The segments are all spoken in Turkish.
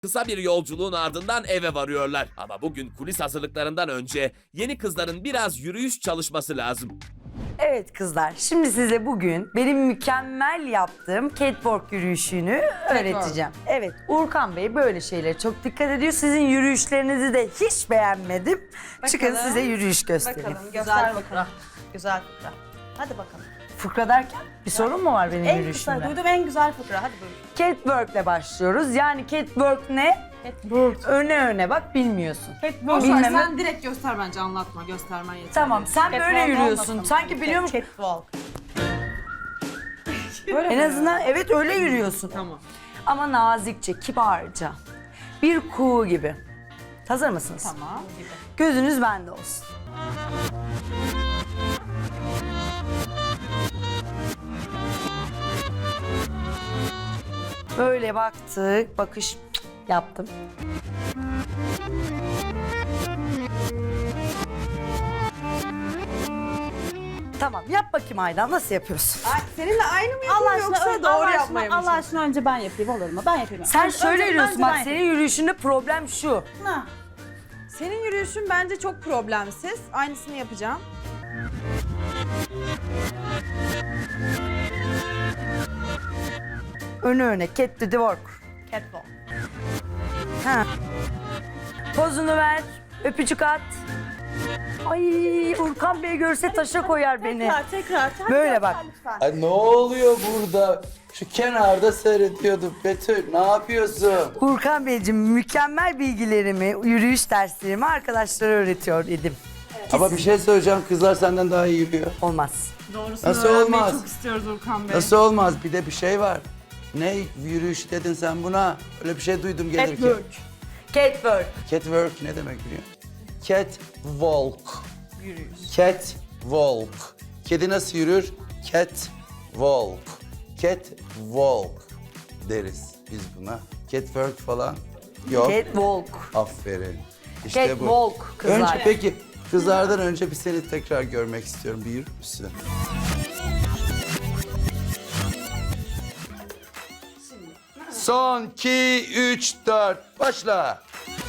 Kısa bir yolculuğun ardından eve varıyorlar. Ama bugün kulis hazırlıklarından önce yeni kızların biraz yürüyüş çalışması lazım. Evet kızlar, şimdi size bugün benim mükemmel yaptığım catwalk yürüyüşünü öğreteceğim. Evet, Uğurkan Bey böyle şeylere çok dikkat ediyor. Sizin yürüyüşlerinizi de hiç beğenmedim. Çıkın size yürüyüş göstereyim. Bakalım, göster bakalım. Güzel fıkra. Hadi bakalım. Fıkra derken bir sorun mu var benim En yürüyüşümde? kısa duydum en güzel fıkra. Hadi buyur. Catwalk'le başlıyoruz. Yani catwalk ne? Catwalk. Öne bak bilmiyorsun. Catwalk. Bilmem- Sen direkt göster bence, anlatma. Göstermen yeterli. Tamam, sen böyle Catwalk yürüyorsun. olmasın. Sanki biliyormuş. Catwalk. En azından evet öyle yürüyorsun. Tamam. Ama nazikçe, kibarca. Bir kuğu gibi. Hazır mısınız? Tamam. Gözünüz bende olsun. Böyle baktık, bakış yaptım. Tamam, yap bakayım Aydan, nasıl yapıyorsun? Ay, seninle aynı mı Allah yapayım aşkına, yoksa doğru Allah yapmaya mı Allah aşkına önce ben yapayım, olur mu? Ben yapayım. Sen Önce- şöyle önce yürüyorsun, ben bak yapayım. senin yürüyüşünde problem şu. Ha. Senin yürüyüşün bence çok problemsiz. Aynısını yapacağım. Önü öne, cat to the work. Catwalk. Ha. Pozunu ver, öpücük at. Ay Urkan Bey görse taşa koyar beni. Tekrar. Hadi Böyle göster bak. lütfen. Ay ne oluyor burada? Şu kenarda seyrediyordum. Betül ne yapıyorsun? Urkan Beyciğim mükemmel bilgilerimi, yürüyüş derslerimi arkadaşlara öğretiyor idim. Ama bir şey söyleyeceğim, kızlar senden daha iyi yürüyor. Olmaz. Doğrusunu Nasıl öğrenmeyi olmaz? çok istiyoruz Urkan Bey. Nasıl olmaz? Bir de bir şey var. Ne yürüyüş dedin sen buna? Öyle bir şey duydum gelirken. Catwalk. Catwalk. Catwalk ne demek biliyor musun? Catwalk. Yürüyüş. Catwalk. Kedi nasıl yürür? Catwalk. Catwalk deriz biz buna. Catwalk falan yok. Catwalk. Aferin. İşte Catwalk bu. kızlar. Önce peki kızlardan önce bir seni tekrar görmek istiyorum. Bir yürür müsün? Son 2, 3, 4. Başla.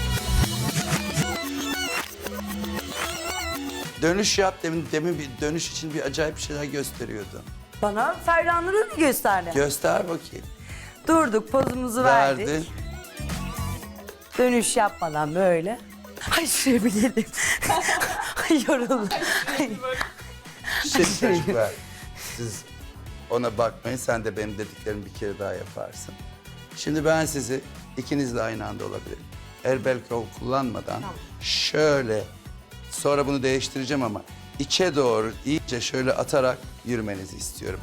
Dönüş yap. Demin bir dönüş için bir acayip şeyler gösteriyordu. Bana Ferdan'ı gösterdi. Göster bakayım. Durduk, pozumuzu Verdi. verdik. Dönüş yapmadan böyle. Ay şuraya bir gelin. Ay yoruldum. Şey çocuklar, siz ona bakmayın, sen de benim dediklerimi bir kere daha yaparsın. Şimdi ben sizi ikinizle aynı anda olabilirim. El bel kol kullanmadan şöyle, sonra bunu değiştireceğim ama içe doğru iyice şöyle atarak yürümenizi istiyorum.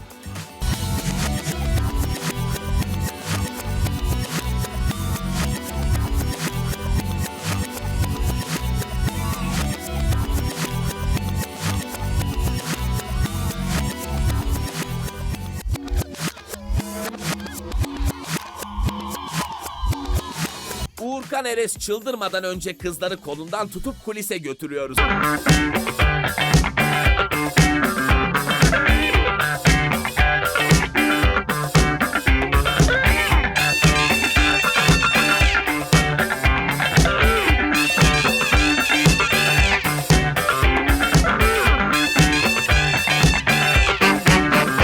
Uğurkan Eres çıldırmadan önce kızları kolundan tutup kulise götürüyoruz.